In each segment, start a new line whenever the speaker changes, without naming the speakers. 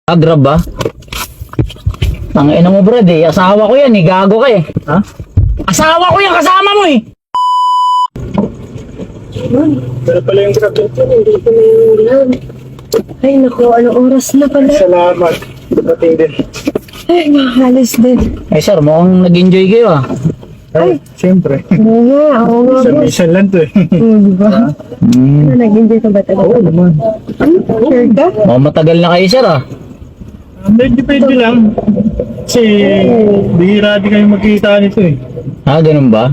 Grab ba? Ang ina mo, Brad eh. Asawa ko yan eh. Gago ka eh.
Ha?
Asawa ko yan. Kasama mo eh.
Pero pala yung grab ito.
Hindi ko na yung ulam. Ay, naku, anong oras na pala?
Salamat. Dating din.
Ay, makahalis din.
Eh sir, mukhang nag-enjoy kayo ah.
Ay, siyempre.
Oo nga, boss.
Minsan lang to eh.
Diba? Ano, nag-enjoy ka ba talaga?
Oo naman.
Sure ka?
Mukhang matagal na kayo sir ah.
Depende lang. Kasi bihira din kayo magkita nito eh.
Ganun ba?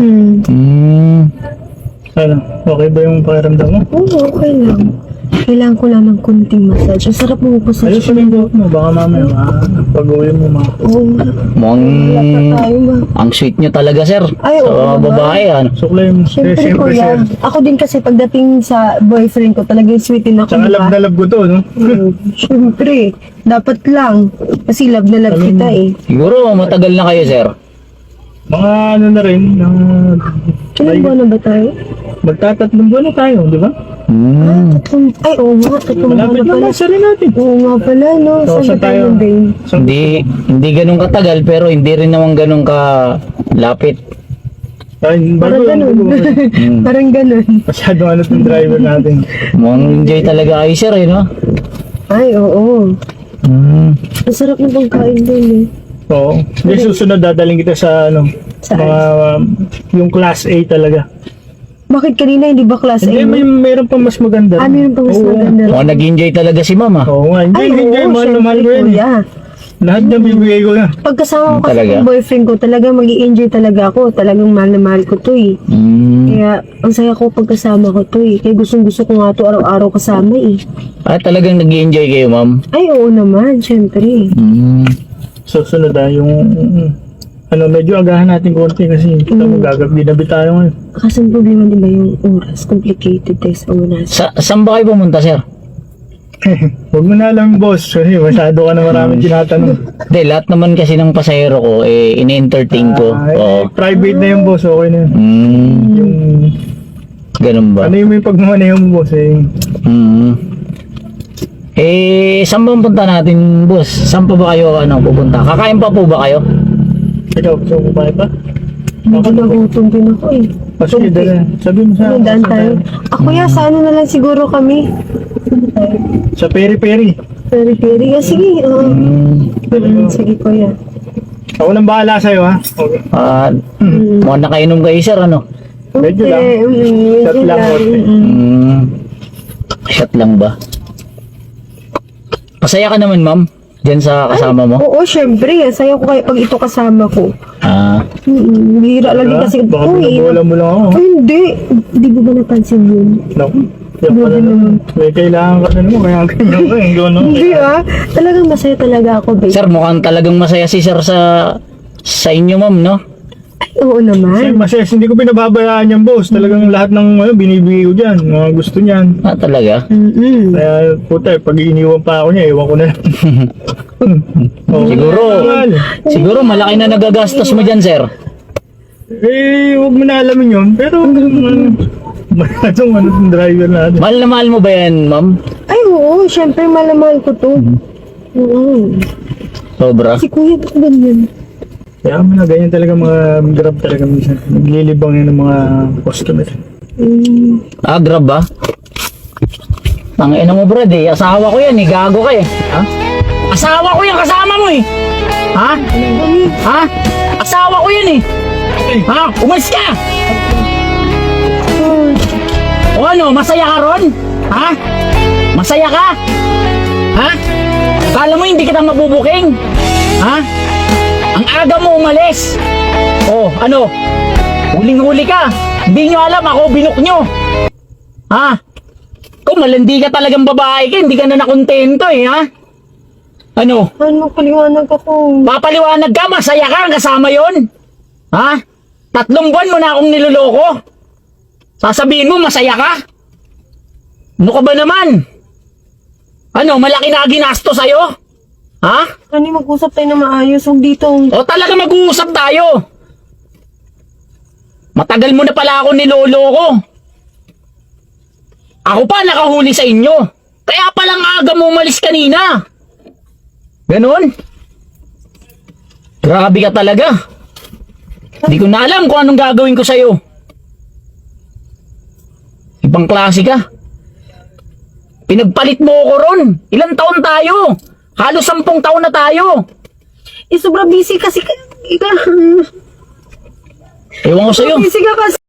Hmm.
Ano, okay ba yung pakiramdam mo?
Oo, okay lang. Kailangan ko lang ng kunting massage. Ang sarap mo massage.
Ayos yung buhok mo, baka mamaya pag-uwi mo
Oo nga.
Mukhang
Wala tayo ba?
ang sweet nyo talaga sir.
Ay, oo
Sa
naman.
babae ano.
Suklay mo.
Siyempre, kuya. Ako din kasi pagdating sa boyfriend ko, talagang sweetin ako.
Tsaka love na love ko to, no?
Siyempre, dapat lang. Kasi love na love kita eh.
Siguro matagal na kayo sir.
Mga ano na rin,
Ilang buwan na ba tayo?
magtatatlong buwan na tayo, di ba?
Ay, oo nga. Tatlong buwan
Malapit
na
na
pala.
masa rin natin.
Oo nga pala, no?
So,
Saan
saan
ba tayo
tayo?
babe?
Hindi ganun katagal pero hindi rin naman ganun ka lapit.
Ay,
Parang
bago
ganun. Parang ganun.
masyadong ano itong driver natin.
Mukhang enjoy talaga kayo sir eh no?
Ay, oo. Ang sarap na pagkain din eh.
Oo. Hindi, susunod dadaling kita sa ano,
Saan?
mga yung class A talaga.
Bakit kanina hindi ba class A?
Hindi, mayroon pa mas maganda.
Meron pa mas
Oo.
maganda.
Mukhang nag-enjoy talaga si mama.
Oo nga,
Ay,
hindi,
oo,
mahal na mahal ko
syempre,
yan.
kuya.
Lahat na bibigay ko na.
Pagkasama ko kasi
Talaga?
ng boyfriend ko, talagang mag-i-enjoy talaga ako. Talagang mahal na mahal ko to eh. Kaya, ang saya ko pagkasama ko to eh. Kaya gustong gusto ko nga to araw-araw kasama eh.
Talagang nag-enjoy kayo ma'am.
Ay, oo naman, syempre.
Susunod yung ano, medyo agahan natin konti kasi kita mo gagabi tayo ngayon.
Kasi ang problema di ba yung oras? Complicated tayo sa oras.
Saan ba kayo pumunta sir?
Huwag mo na alam, boss, kasi masyado ka na maraming tinatanong.
Hindi, lahat naman kasi ng pasahero ko ini-entertain ko. Oo.
Private na yung boss, okay na yun. Yung,
Ganun ba?
ano yung pagmamaneho mo, boss, eh.
Saan ba punta natin, boss? Saan pa ba kayo pupunta? Kakain pa po ba kayo?
Ikaw, gusto mo kumain pa?
Medyo nagutom din ako eh.
Sige, dala. Sabi mo sa
Ano, daan tayo? Ako ya, sa ano na lang siguro kami.
Sa peri-peri.
Peri-peri. Sige, sige kuya.
Ako nang bahala sa'yo, ha? Okay.
Mukhang nakainom kayo, sir, ano?
Medyo lang. Shot lang, konti.
Shot lang ba? Masaya ka naman, ma'am? Diyan sa kasama mo?
Oo, syempre. Saya ko kayo pag ito kasama ko. Bihira lagi kasi.
Baka binabola mo lang ako.
Ay, hindi. Hindi mo ba napansin yun?
Naku. Yan pala naman. May kailangan ka na naman, kaya ganyan ka, yung gano'n.
Hindi Talagang masaya talaga ako, babe.
Sir, mukhang talagang masaya si sir sa inyo, ma'am, no?
Ay, oo naman.
Masaya, hindi ko pinababayaan yan, boss. Talagang lahat ng binibigay ko dyan, mga gusto niyan.
Talaga?
Kaya, puta, pag iniwan pa ako niya, iwan ko na lang.
Siguro malaki na nagagastos mo dyan, sir.
Huwag mo na alamin yun. Pero, itong driver natin.
Mahal na mahal mo ba yan, ma'am?
Ay, oo. Syempre, malamahal ko to. Oo.
Sobra?
Si kuya, ba't ganyan?
Kaya mga ganyan talaga mga grab talaga minsan. Naglilibang yan ng mga customer.
Grab ba? Ang ina mo, Brad eh. Asawa ko yan eh. Gago ka eh. Ha? Asawa ko yan. Kasama mo eh. Ha? Ha? Asawa ko yan eh. Ha? Umalis ka! O ano? Masaya ka ron? Ha? Masaya ka? Ha? Kala mo hindi kita mabubuking? Ha? Ang aga mo umalis. Oh, ano? Huling-huli ka. Hindi nyo alam ako, binuk nyo. Ha? Kung malandi ka talagang babae ka, hindi ka na nakontento eh, ha? Ano?
Ano, paliwanag ako.
Papaliwanag ka, masaya ka, kasama yon. Ha? 3 buwan mo na akong niloloko. Sasabihin mo, masaya ka? Ano ka ba naman? Ano, malaki na ginasto sa'yo? Ha?
Ano, mag-usap tayo na maayos. Huwag dito.
O talaga mag-uusap tayo. Matagal mo na pala ako niloloko. Ako pa nakahuli sa inyo. Kaya palang aga mo umalis kanina. Ganon? Grabe ka talaga. Hindi ko na alam kung anong gagawin ko sa'yo. Ibang klase ka. Pinagpalit mo ako ron. Ilang taon tayo? Halos 10 taon na tayo.
Eh, sobrang busy kasi
Ewan ko sa'yo.
busy ka kasi.